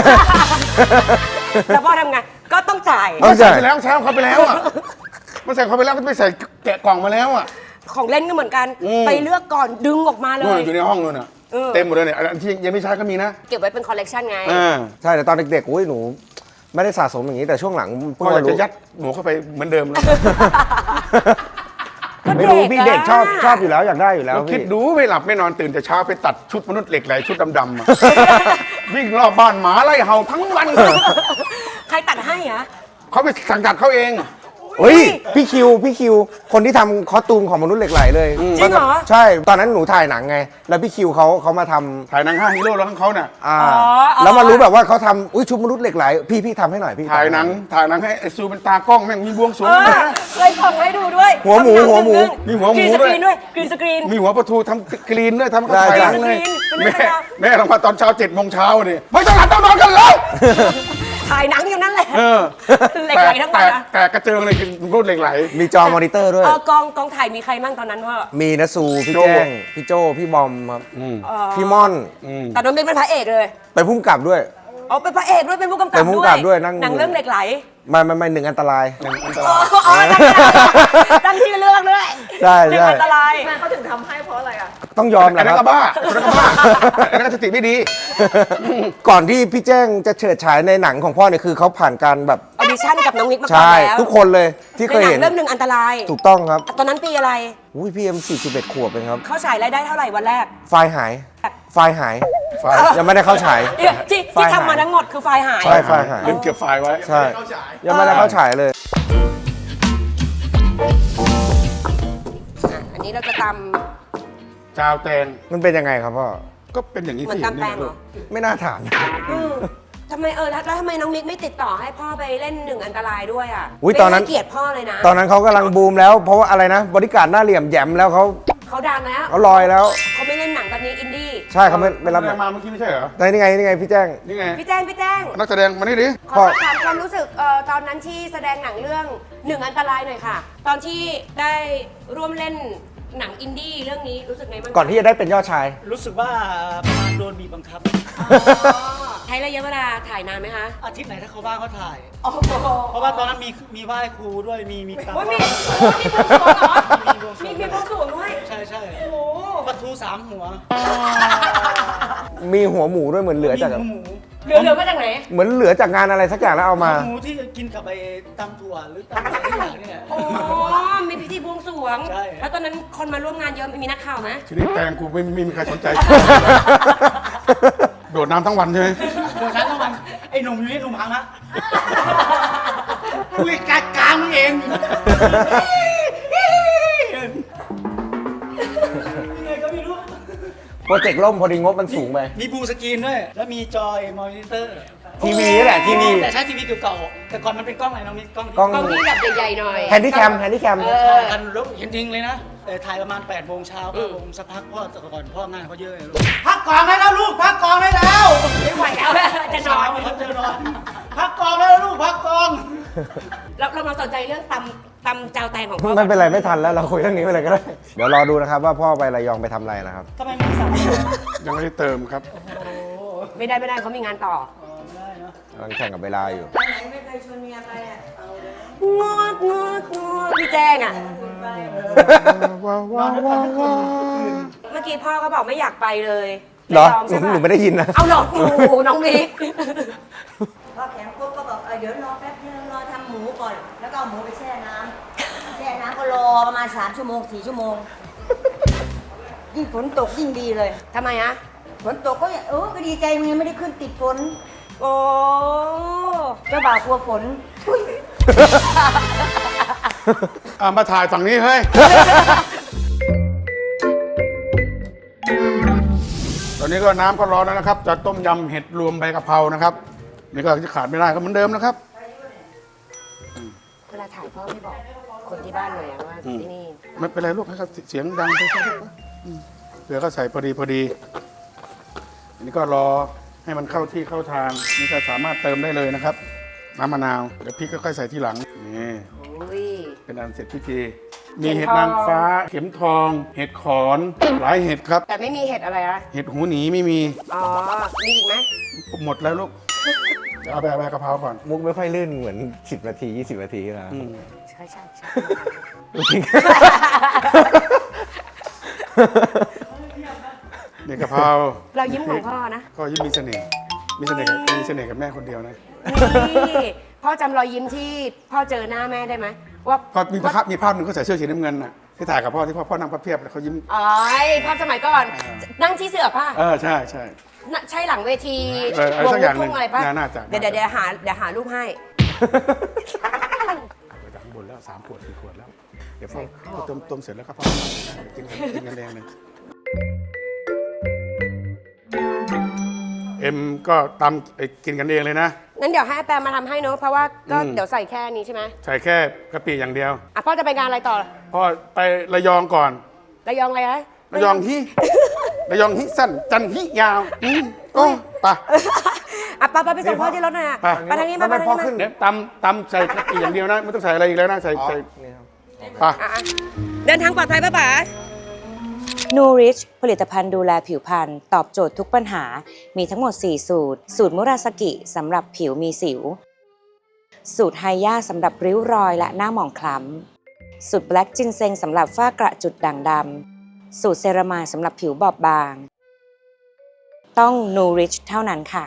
Speaker 1: แล้วพ่อทำไงก็ต้องจ่าย
Speaker 2: ต้อง
Speaker 3: ใส่
Speaker 2: จ่าย
Speaker 3: ไปแล้วเช้าเขาไปแล้วอ่ะมาใส่เขาไปแล้วก็ไปใส่แกะกล่องมาแล้วอ่ะ
Speaker 1: ของเล่นก็เหมือนกัน ไปเลือกก่อนดึงออกมาเล
Speaker 3: นู่น
Speaker 1: ย
Speaker 3: อยู่ในห้องนู่นอ่ะเต็มหมดเลยเนี่ยอันที่ยังไม่ใช้ก็มีนะ
Speaker 1: เก็บไว้เป็นคอลเลกชันไง
Speaker 2: ใช่แต่ตอนเด็กๆอุ้ยหนู ไม่ได้สะสมอย่างนี้แต่ช่วงหลังเพิ่
Speaker 3: พ่
Speaker 2: ง
Speaker 3: ออยาก
Speaker 2: มารู้
Speaker 3: จะยัดหนูเข้าไปเหมือนเดิมเลย
Speaker 2: ไม่รู้พี่เด็กชอบอยู่แล้วอยากได้อยู่แล้ว
Speaker 3: เราคิด
Speaker 2: พี่
Speaker 3: ดูไม่หลับไม่นอนตื่นแต่เช้าไปตัดชุดมนุษย์เหล็กไหลชุดดำๆอะ วิ่งรอบบ้านหมาไล่เห่าทั้งวัน
Speaker 1: ใครตัดให้อะ
Speaker 3: เขาไปสั่งตัดเขาเอง
Speaker 2: เฮ้ยพี่คิวคนที่ทำคอสตูมของมนุษย์เหล็กไหลเลย
Speaker 1: จริงเหรอ
Speaker 2: ใช่ตอนนั้นหนูถ่ายหนังไง แล้วพี่คิวเขามาทำ
Speaker 3: ถ่ายหนัง5 ฮีโร่แล้วของเขาน่ะ
Speaker 2: แล้วมารู้แบบว่าเขาทำอุ้ยชุดมนุษย์เหล็กไหลพี่ทำให้หน่อยพี่
Speaker 3: ถ่ายหนังให้ไอซูเป็นตากล้องแม่งมีบวงสรวง
Speaker 1: เคยส่งให้ดูด้วย
Speaker 2: หัวหมู
Speaker 3: มีหัวหมู
Speaker 1: กรีน
Speaker 3: ด้วย
Speaker 1: กรีนสกรีน
Speaker 3: มีหัวประทูทำกรีนด้วยทำเขาถ่ายหนังเลย
Speaker 1: เป็นเรื่องราว
Speaker 3: แม่ลงมาตอนเช้า7 โมงเช้าเนี่ยไม่ต้องหลับต้องนอนกันแล้ว
Speaker 1: ถ่ายหนังอยู่นั่นแหละ เหล็ก
Speaker 3: แต่
Speaker 1: ไหลทั้งวันนะ
Speaker 3: แต่กระเจิงเลยคือรุ่นเหล็กไหล
Speaker 2: มีจอมอนิเตอร์ด้วย
Speaker 1: กองถ่ายมีใครบ้างตอนนั้นพ่อ
Speaker 2: มีนะซูพี่
Speaker 3: โจ
Speaker 2: แจ้งพี่โจพี่บอมครับพี่ม่อน
Speaker 1: แต่น้องเป็นพระเอกเลย
Speaker 2: ไปพุ่มกับด้วย
Speaker 1: อ๋อเป็นพระเอกด้วยเป็นผู้กำกับ
Speaker 2: เป็นผู้กำกับด้วยนั่ง
Speaker 1: หนังเรื่องเหล็กไหล
Speaker 2: ไม่หนึ่งอันตราย
Speaker 1: ตั้งชื่อเรื่องด้วย
Speaker 2: ใช่
Speaker 1: หนึ่งอันตราย
Speaker 5: ทำไมเขาถึงทำให้เพราะอะไรอ่ะ
Speaker 2: ต้องยอมแห
Speaker 3: อัน
Speaker 2: ละ
Speaker 3: นั้น
Speaker 2: ครั
Speaker 3: ก็
Speaker 2: บ
Speaker 3: บ้าอันนั้นก็บ้าอันนั้นก็สติไม่ดี
Speaker 2: ก่อนที่พี่แจ้งจะเฉิดฉายในหนังของพ่อเนี่ยคือเขาผ่านการแบบ
Speaker 1: ออดิชั่นกับน้องมิกมาก่อน
Speaker 2: ใช่
Speaker 1: แล้ว
Speaker 2: ทุกคนเลยที่เคย
Speaker 1: ในหนั
Speaker 2: เห็น
Speaker 1: เรื่องหนึ่งอันตราย
Speaker 2: ถูกต้องครับ
Speaker 1: ตอนนั้นปีอะไร
Speaker 2: อุ้ยพี่เอ็ม41 ขวบเองครับ
Speaker 1: เข้าฉายรายได้เท่าไหร่วันแรก
Speaker 2: ไฟล์หาย ไฟล์หาย
Speaker 3: ไฟล์
Speaker 2: ยังไม่ได้เข้าฉาย
Speaker 1: ที่
Speaker 2: ไฟล์หาย
Speaker 1: ทำมาทั้งหมดคือไฟล์หาย
Speaker 2: ใช่ไฟล์หาย
Speaker 3: ลืมเก็บไฟล์ไว้
Speaker 2: ใช่ยังไม่ได้เข้าฉายเลย
Speaker 1: อันนี้เราจะต
Speaker 3: จาวแตง
Speaker 2: มันเป็นยังไงครับพ่อ
Speaker 3: ก็เป็นอย่างนี้
Speaker 1: ำเหมือน
Speaker 3: ที่
Speaker 1: ตำแตงเหรอ
Speaker 2: ไม่น่าถาม
Speaker 1: ทำไมแล้วทำไมน้องมิกไม่ติดต่อให้พ่อไปเล่นหนึ่งอันตรายด้วยอ่ะ
Speaker 2: อุ๊ยตอนนั้น
Speaker 1: ไม่ให้เกียรติพ่อเลยนะ
Speaker 2: ตอนนั้นเขากำลังบูมแล้วเพราะว่าอะไรนะบริการหน้าเหลี่ยมแหยมแล้วเขา
Speaker 1: เขาดังแล้ว
Speaker 2: เขาลอยแล้ว
Speaker 1: เขาไม่เล่นหนังแบบนี้อินดี้
Speaker 2: ใช่เขาไม่รับ
Speaker 3: แสดงมาเมื่อกี้ไม่ใช่เหรอ
Speaker 2: นี่ไงพี่แจ้ง
Speaker 3: นี่ไง
Speaker 1: พี่แจ้ง
Speaker 3: นักแสดงมานี่ดิ
Speaker 1: ขอสอบถามความรู้สึกตอนนั้นที่แสดงหนังเรื่องหนึ่งอันตรายหน่อยค่ะ ตอนที่ได้ร่วมเล่นหนังอินดี้เรื่องนี้รู้สึกไงบ้าง
Speaker 2: ก่อนที่จะได้เป็นยอดชาย
Speaker 5: รู้สึกว่าประมาณโดนบีบบังคับ
Speaker 1: ใช้ระยะเวลาถ่ายนานไหมคะ
Speaker 5: อาทิตย์ไหนถ้าเขาว่างเขาถ่าย
Speaker 1: โอ้โห
Speaker 5: เพราะว่าตอนนั้นมีไหว้ครูด้วยมีตาม
Speaker 1: โอ้ยมีบวงสรวงเหรอ
Speaker 5: มี
Speaker 1: มี
Speaker 5: บวงสรวง
Speaker 1: บวงสรวงด้วย
Speaker 5: ใช่ใช่
Speaker 1: โอ้โห
Speaker 5: ปลาทู3 หัว
Speaker 2: มีหัวหมูด้วยเหมือนเหลือ
Speaker 5: มี
Speaker 2: จาก
Speaker 5: หัวหมู
Speaker 1: เหลือมาจากไหน
Speaker 2: เหมือนเหลือจากงานอะไรสักอย่างแล้วเอามา
Speaker 5: หัวหมูที่กินกับไอ้ตำถั่วหรือตำอะไรที่อย่างเนี่ย
Speaker 1: โอ้มีพิธีบวงสรวง
Speaker 5: ใช่
Speaker 1: แล้วตอนนั้นคนมาร่วมงานเยอะมีนักข่าวไหม
Speaker 3: ทีนี้แตงกูไม่มีใครสนใจ โดดน้ำทั้งวันใช่ไหม
Speaker 5: เดี๋ยวนั้นต้องมันไอ้หนุ่มอยู่นี่หนุ่มพังนะคุยกลางมึงเองยังไงก็ไม่รู้
Speaker 2: โปรเจกต์ล่มพอดีงบมันสูงไป
Speaker 5: มีบูสกรีนด้วย แล้วมีจอยมอนิเตอร์
Speaker 2: ทีวีนี่แหละทีวี
Speaker 5: แต่ใช้ทีวีเก่าๆแต่ก่อนมันเป็นกล้องอะไรน้องนิดกล้อง
Speaker 2: กล้อง
Speaker 1: กล้องที่แบบใหญ่ๆหน่อย
Speaker 2: แฮนดี้แคม
Speaker 5: ถ่ายกันแล้วเห็นจริงเลยนะถ่ายประมาณ8 โมงเช้าครับผมสักพักพ่อแต่ก่อนพ่องานเขาเยอะเลยลูกพักกองได้แล้วลูกพักกองได้แล้ว
Speaker 1: ไม่ไหวแล้วจะนอน
Speaker 5: เขาจะนอนพักกองได้แล้วลูกพักกอง
Speaker 1: เรามาสนใจเรื่องตำเจ้าแตงของพ่อ
Speaker 2: ไม่เป็นไรไม่ทันแล้วเราคุยเรื่องนี้ไปเลยก็ได้ เดี๋ยวรอดูนะครับว่าพ่อไประยองไปทำอะไรนะครับ
Speaker 5: ทำไมไม่สั่ง
Speaker 3: ยังไม่ได้เติมครับ
Speaker 1: ไม่ได้เขามีงานต่อ
Speaker 5: ไม่ได้เนาะ
Speaker 2: กำลังแข่งกับเวลาอยู่
Speaker 1: ไม่เคยชวนเมียไปอ่ะงดพี่แจ้งอ่ะ เมื่อกี้พ่อก็บอกไม่อยากไปเลย
Speaker 2: เหรอ
Speaker 1: ไม่ยอมใช่ปะ
Speaker 2: หนูไม่ได้ยินนะ
Speaker 1: เอาหลอกหนูน้องมิก
Speaker 6: พอแขนปุ๊บก็บอกเดี๋ยวรอแป๊บนึงรอทำหมูก่อน แล้วก็เอาหมูไปแช่น้ำแช่น้ำก็รอประมาณ3 ชั่วโมง 4 ชั่วโมง ยิ่งฝนตกยิ่งดีเลย
Speaker 1: ทำไมอะ
Speaker 6: ฝนตกก็ก็ดีใจมึงยังไม่ได้ขึ้นติดฝน
Speaker 1: โอ้
Speaker 6: เจ้าบ่าวกลัวฝนทุย
Speaker 3: มาถ่ายฝั่งนี้เฮ้ย ตอนนี้ก็น้ำก็ร้อนแล้วนะครับ จะต้มยำเห็ดรวมใบกะเพรานะครับ นี่ก็จะขาดไม่ได้ก็เหมือนเดิมนะครับ
Speaker 1: เวลาถ่ายพ่อไม่บอกคนที่บ้านเลยอะว่าที่นี่
Speaker 3: ไม่เป็นไรลูกให้เขาเสียงดังไปสักพักเผื่อเขาใส่พอดีอันนี้ก็รอให้มันเข้าที่เข้าทาง นี่ก็สามารถเติมได้เลยนะครับ น้ำมะนาวเดี๋ยวพริกก็ค่อยใส่ทีหลังนี่
Speaker 1: อุ้ย
Speaker 3: เป็นอันเสร็จพิธีมีเห็ดนางฟ้า เข็มทอง เห็ดขอนหลายเห็ดครับ
Speaker 1: แต่ไม่มีเห็ดอะไรอะ
Speaker 3: เห็ดหูหนีไม่มี
Speaker 1: อ๋อ มีอีกไหม
Speaker 3: หมดแล้วลูกเดี๋ยวเอาไปกะเพราก่อน
Speaker 2: มุกไม่ค่อยลื่นเหมือน10 นาที 20 นาทีแล้ว
Speaker 1: ใช่ใช่
Speaker 3: นี่กะเพรา
Speaker 1: เรายิ้มของพ่อนะ
Speaker 3: ก็ยิ้มมีเสน่ห์มีเสน่ห์กับแม่คนเดียวนะ
Speaker 1: นี่พ่อจำรอยยิ้มที่พ่อเจอหน้าแม่ได้ไหมว่า
Speaker 3: ก็มีภาพหนึ่งเขาใส่เสื้อสีน้ำเงินน่ะที่ถ่ายกับพ่อที่พ่อนั่งพับเพียบแล้วเขายิ้ม
Speaker 1: อ๋อภาพสมัยก่อน นั่งที่เสือป่ะ
Speaker 3: ใช่ใช่
Speaker 1: น่ะใช่หลังเวที
Speaker 3: อะไรสักอย่างหนึ่ง
Speaker 1: วลูทุ่อะไรป่ะ
Speaker 3: น่าจะ
Speaker 1: เดี๋ยวหารูปให้
Speaker 3: ไปจากข้างบนแล้ว3 ขวด 4 ขวดแล้ว เดี๋ยวพ่อต้มเสร็จแล้วก็พ่อกินกันแรงเลยเอ็มก็ตำกินกันเองเลยนะ
Speaker 1: งั้นเดี๋ยวให้แปมมาทำให้เนอะเพราะว่าก็
Speaker 3: อืม
Speaker 1: เดี๋ยวใส่แค่นี้ใช่ไหม
Speaker 3: ใส่แค่กะปิอย่างเดียว
Speaker 1: อ่ะพ่อจะไปงานอะไรต่อ
Speaker 3: พ่อไประยองก่อน
Speaker 1: ระยองอะไรนะ
Speaker 3: ระยองฮิระยองฮิสั้นจันฮิยาวโอ้ไป
Speaker 1: อ่ะไปส่งพ่อที่รถหน่อยอ่ะ
Speaker 3: ไป
Speaker 1: ไปทางนี้มา
Speaker 2: ไม่
Speaker 1: ทาง
Speaker 2: พ่อ
Speaker 1: นี้
Speaker 2: ขึ้น
Speaker 1: มา
Speaker 3: เนี่ยตำใส่กะปิอย่างเดียวนะไม่ต้องใส่อะไรอีกแล้วนะใส่ไป
Speaker 1: อ่ะเดินทางปลอดภัยป่ะป๋า
Speaker 7: นูริชผลิตภัณฑ์ดูแลผิวพรรณตอบโจทย์ทุกปัญหา มีทั้งหมด 4 สูตร สูตรมุราสกิสำหรับผิวมีสิว สูตรไฮย่าสำหรับริ้วรอยและหน้าหมองคล้ำ สูตรแบล็กจินเซงสำหรับฝ้ากระจุดด่างดสูตรเซรามายสำหรับผิวบอบบาง ต้อง Nourish เท่านั้นค่ะ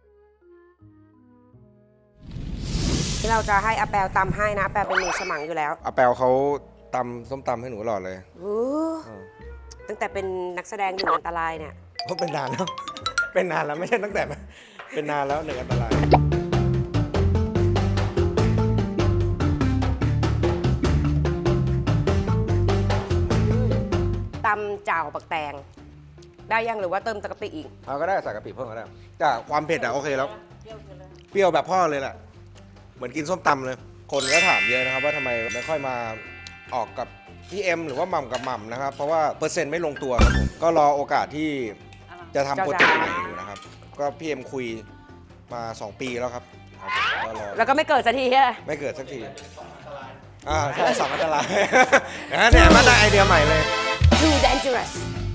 Speaker 1: ที่เราจะให้อาแปลตำให้นะอาแปลเป็นมือฉมังอยู่แล้ว
Speaker 2: อาแปลเขาตำส้มตำให้หนูตลอดเลย
Speaker 1: ตั้งแต่เป็นนักแสดงหนึ่งอันตรายเนี่ย
Speaker 2: เพราะเป็นนานแล้ว เป็นนานแล้วไม่ใช่ตั้งแต่ เป็นนานแล้วหนึ่งอันตราย
Speaker 1: ตำจ่าวปักแตง ได้ยังหรือว่าเติมตะกะปิอีก
Speaker 2: เอาก็ได้ใส่กะปิเพิ่มก็ได้จากความเผ็ดอะโอเคแล้ว เปรี้ยวแบบพ่อเลยแหละ เหมือนกินส้มตำเลย คนก็ถามเยอะนะครับว่าทำไมไม่ค่อยมาออกกับพี่เอ็มหรือว่าหม่ำกับหม่ำนะครับ เพราะว่าเปอร์เซ็นต์ไม่ลงตัวครับผมก็รอโอกาสที่จะทำโปรเจกต์ใหม่อยู่นะครับ ก็พี่เอ็มคุยมา 2 ปีแล้วครับก็รอ
Speaker 1: แล้วก็ไม่เกิดสักทีใช่ไหม
Speaker 2: ไม่เกิดสักทีใช่สองอันตราย เนี่ยมาได้ไอเดียใหม่เลย
Speaker 1: Too dangerous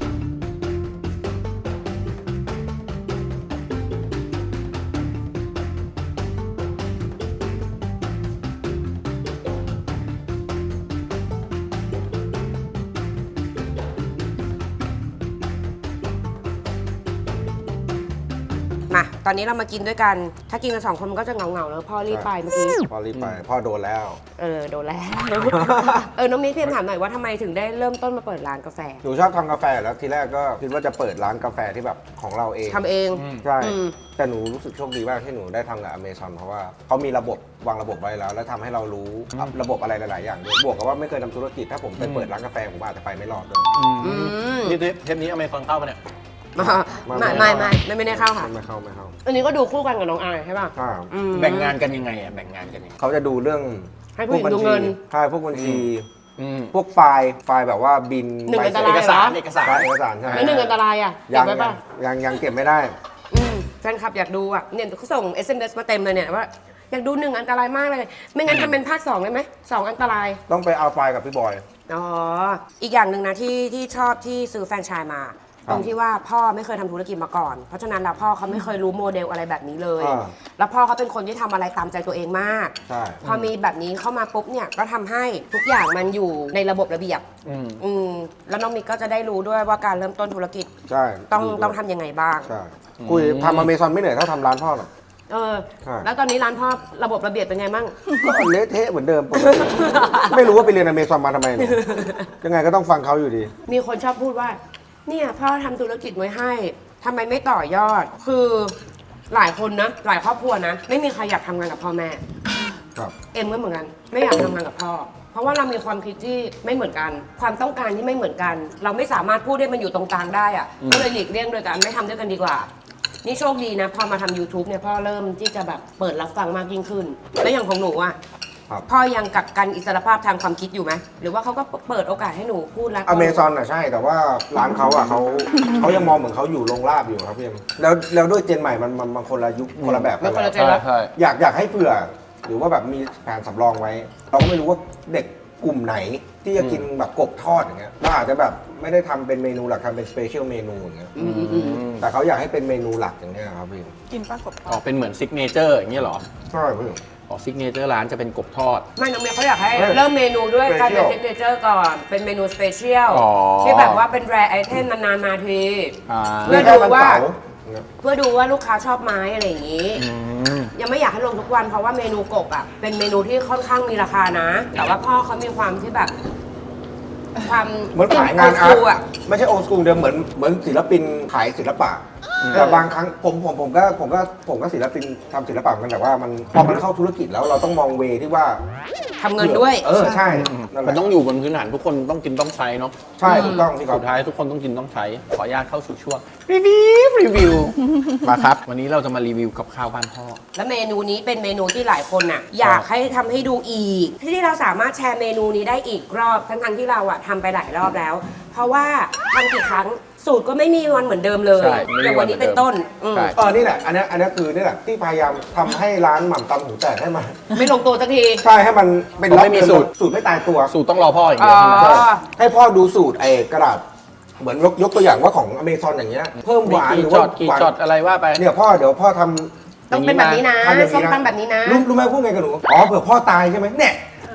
Speaker 1: มา ตอนนี้เรามากินด้วยกัน ถ้ากินกัน2 คนมันก็จะเหงาๆแล้วพ่อรีบไปเมื่อกี้
Speaker 2: พ่อรีบไป พ่อโดนแล้ว
Speaker 1: โดนแล้ว น้องมิ้นพี่ถามหน่อยว่าทำไมถึงได้เริ่มต้นมาเปิดร้านกาแฟ
Speaker 2: หนูชอบทำกาแฟแล้วทีแรกก็คิดว่าจะเปิดร้านกาแฟที่แบบของเราเอง
Speaker 1: ทำเอง
Speaker 2: ใช่
Speaker 1: อืม
Speaker 2: แต่หนูรู้สึกโชคดีมากที่หนูได้ทำกับ Amazon เพราะว่าเขามีระบบวางระบบไว้แล้ว แล้วทำให้เรารู้ระบบอะไรหลาย ๆ อย่างด้วยบวกกับว่าไม่เคยทำธุรกิจถ้าผมไปเปิดร้านกาแฟผมอาจจะไปไม่รอดเลย
Speaker 1: อืม
Speaker 5: นี่เทปนี้อเมซอนเข้าปะเนี่ย
Speaker 1: ไม่ได้เข้าค่ะ
Speaker 2: ไม่เข้า
Speaker 1: อันนี้ก็ดูคู่กันกับน้องอายใช่ป่ะ
Speaker 2: ใช่
Speaker 1: อืม
Speaker 5: แบ่งงานกันยังไงอ่ะ แบ่งงานกันยังไง
Speaker 2: เขาจะดูเรื่อง
Speaker 1: ให้ผู้หญิงดูเงิน
Speaker 2: ใช่พวกบัญชี
Speaker 5: อืม
Speaker 2: พวกไฟล์แบบว่าบิน
Speaker 1: หนึ่ง
Speaker 2: ใบ
Speaker 1: อันต
Speaker 2: เสร็จ
Speaker 1: ราย
Speaker 5: เอกสารเอกสาร
Speaker 2: ใช่เอกสารใช่
Speaker 1: แล้วหนึ่งอันตรายอ่ะเก็
Speaker 2: ยั
Speaker 1: บไว้ป่ะ
Speaker 2: ยังเก็บไม่ได้
Speaker 1: แฟนคลับอยากดูอ่ะเนี่ยเขาส่ง SMS มาเต็มเลยเนี่ยว่าอยากดู1อันตรายมากเลย ไม่งั้นทำเป็นภาค2ได้ไหม2อันตราย
Speaker 2: ต้องไปเอาไฟล์กับพี่บอย
Speaker 1: อ๋อ อีกอย่างหนึ่งนะที่ชอบที่ซื้อแฟรนไชส์มา ตรงที่ว่าพ่อไม่เคยทำธุรกิจมาก่อน เพราะฉะนั้นแล้วพ่อเขาไม่เคยรู้โมเดลอะไรแบบนี้เลย
Speaker 2: อ่า
Speaker 1: แล้วพ่อเขาเป็นคนที่ทำอะไรตามใจตัวเองมาก
Speaker 2: ใช่
Speaker 1: พอมีแบบนี้เข้ามาปุ๊บเนี่ยก็ทำให้ทุกอย่างมันอยู่ในระบบระเบียบ แล้วน้องมิกก็จะได้รู้ด้วยว่าการเริ่มต้นธุรกิจ
Speaker 2: ใช่
Speaker 1: ต้องทำยังไงบ้าง
Speaker 2: ใช่คุยทำ Amazon ไม่เหนื่อยเท่าทำร้านพ่อหรอก ใช่
Speaker 1: แล้วตอนนี้ร้านพ่อระบบระเบียบเป็นไงมั่ง
Speaker 2: ก็เละเทะเหมือนเดิมปกติไม่รู้ว่าไปเรียน Amazon มาทำไมเนี่ยยังไงก็ต้องฟังเขาอยู่ดี
Speaker 1: มีคนชอบพูดว่า เนี่ยพ่อทำธุรกิจไว้ให้ทำไมไม่ต่อยอด คือหลายคนนะ หลายครอบครัวนะ ไม่มีใครอยากทำงานกับพ่อแม่
Speaker 2: ครับ
Speaker 1: เอ็มก็เหมือนกัน ไม่อยากทำงานกับพ่อ เพราะว่าเรามีความคิดที่ไม่เหมือนกัน ความต้องการที่ไม่เหมือนกัน เราไม่สามารถพูดให้มันอยู่ตรงกลางได้อะก็เลยหลีกเลี่ยงโดยการไม่ทำด้วยกันดีกว่า นี่โชคดีนะพอมาทำ YouTube เนี่ยพ่อเริ่มที่จะแบบเปิดรับฟังมากยิ่งขึ้น แล้วอย่างของหนูอะ
Speaker 2: ครับ
Speaker 1: พ่อยังกักกันอิสรภาพทางความคิดอยู่ไหมหรือว่าเขาก็เปิดโอกาสให้หนูพูดแล้ว
Speaker 2: Amazon อ่ะใช่ แต่ว่าร้านเขาอ่ะเขายังมองเหมือนเขาอยู่โรงลาบอยู่ครับพี่เอ็มแล้วด้วยเจนใหม่มันคนละยุคคนละแบบ
Speaker 1: ไม่
Speaker 2: กั
Speaker 1: คนละ
Speaker 2: แล้ว
Speaker 1: เจนแล้ว
Speaker 5: ใช่
Speaker 2: อยากให้เผื่อ หรือว่าแบบมีแผนสำรองไว้ เราก็ไม่รู้ว่าเด็กกลุ่มไหนที่จะกินแบบกบทอดอย่างเงี้ยเราอาจจะแบบไม่ได้ทำเป็นเมนูหลักทำเป็นสเปเชียลเมนูอย่างเงี้ยแต่เขาอยากให้เป็นเมนูหลักอย่างเงี้ยครับพี่
Speaker 5: อ๋อเป็นเหมือนซิกเนเจอร์อย่างเงี้ยเหรอ
Speaker 2: ใช่พี่
Speaker 5: อ๋อซิกเนเจอร์ร้านจะเป็นกบทอด
Speaker 1: ไม่น้องเมียเขาอยากให้
Speaker 2: เฮ้ย
Speaker 1: เริ่มเมนูด้วยการเป็น
Speaker 2: Special
Speaker 1: ซิกเนเจอร์ก่อน เป็นเมนูสเปเชียล
Speaker 5: อ๋อ
Speaker 1: ที่แบบว่าเป็นแรร์ไอเทมนานๆมาที
Speaker 5: อ่า
Speaker 1: เพื่อ
Speaker 2: แค่
Speaker 1: ดู
Speaker 2: วัน
Speaker 1: ว่า
Speaker 2: เสาร์อย่างเงี้ย
Speaker 1: เพื่อดูว่าลูกค้าชอบไหม้อะไรอย่างนี้ ยังไม่อยากให้ลงทุกวันเพราะว่าเมนูกบอ่ะเป็นเมนูที่ค่อนข้างมีราคานะ แต่ว่าพ่อเขามีความที่แบบ ความ
Speaker 2: เหมือนขายงานอาร์
Speaker 1: โอ
Speaker 2: ต
Speaker 1: อ่ะ
Speaker 2: ไม่ใช่โอสกูลเดิมเหมือนศิลปินขายศิลปะแต่บางครั้งผมก็ศิลปินทำศิลปะเหมือนกันแต่ว่ามันพอมันเข้าธุรกิจแล้วเราต้องมองเวที่ว่า
Speaker 1: ทำเงินด้วย
Speaker 2: ใช่นั่นแห
Speaker 5: มัน
Speaker 2: ละ
Speaker 5: ต้องอยู่บนพื้นฐานทุกคนต้องกินต้องใช้เนาะ
Speaker 2: ใช่ถูกต้องพี่ก๊อฟ
Speaker 5: สุดท้ายทุกคนต้องกินต้องใช้ ขออนุญาตเข้าสู่ช่วงรีวิว มาครับ วันนี้เราจะมารีวิวกับข้าวบ้านพ่อ
Speaker 1: แล้วเมนูนี้เป็นเมนูที่หลายคนน่ะอยากให้ทำให้ดูอีก ที่เราสามารถแชร์เมนูนี้ได้อีกรอบทั้งๆที่เราอ่ะทำไปหลายรอบแล้ว เพราะว่าทำกี่ครั้งสูตรก็ไม่มีวันเหมือนเดิมเลย
Speaker 5: ใช่ไม่มี
Speaker 1: อย่างวันนี้เป็นต้นอืม
Speaker 5: ใช่
Speaker 2: นี่แหละอันนี้คือนี่แหละที่พยายามทำให้ร้านหม่ำตำหูแตกให้มัน
Speaker 1: ไม่ลงตัวสักที
Speaker 2: ใช่ให้มันเป็น
Speaker 5: ผมไม่มีสูตร
Speaker 2: สูตรไม่ตายตัว
Speaker 5: สูตรต้องรอพ่ออย่างเดียวใช่ไหม
Speaker 1: อ๋อ
Speaker 2: ให้พ่อดูสูตรไอ้กระดาษเหมือนยกตัวอย่างว่าของอเมซอนอย่างเงี้ยเพิ่มหวานหรือ
Speaker 5: จ
Speaker 2: ว่า
Speaker 5: อดกี่
Speaker 2: หวาน
Speaker 5: จอดอะไรว่าไป
Speaker 2: เนี่ยพ่อเดี๋ยวพ่อทำ
Speaker 1: ต้องเป็นแบบนี้นะ
Speaker 2: ทำอย่าง
Speaker 1: ส้มตำแบบนี้นะ
Speaker 2: รู้ไหมพูดไงกับหนูอ๋อเผื่อพ่อตายใช่ไหมเนี่ย